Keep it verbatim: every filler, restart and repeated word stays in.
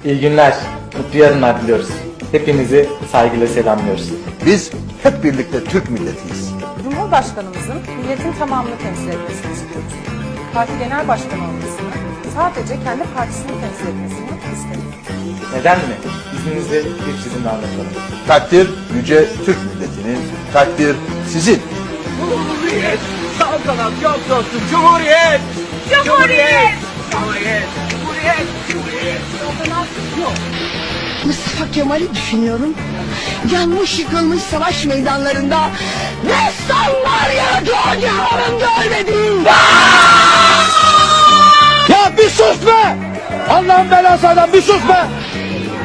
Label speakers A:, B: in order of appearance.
A: İyi günler, mutlu yarınlar diliyoruz. Hepinizi saygıyla selamlıyoruz.
B: Biz hep birlikte Türk milletiyiz.
C: Cumhurbaşkanımızın milletin tamamını temsil etmesini istiyoruz. Parti genel başkanı olmasını, sadece kendi partisini temsil etmesini istemiyoruz.
A: Neden mi? İzninizle bir çizimle anlatalım.
B: Takdir yüce Türk milletinin, takdir sizin.
D: Cumhuriyet! Saltanat yok dostum! Cumhuriyet! Cumhuriyet! Cumhuriyet! Cumhuriyet! Cumhuriyet! Saltanat yok!
E: Mustafa Kemal'i düşünüyorum. Yanmış yıkılmış savaş meydanlarında destanlar yaratılacağım görmedim.
B: Ya bir sus be! Allah'ın belası adam bir sus be!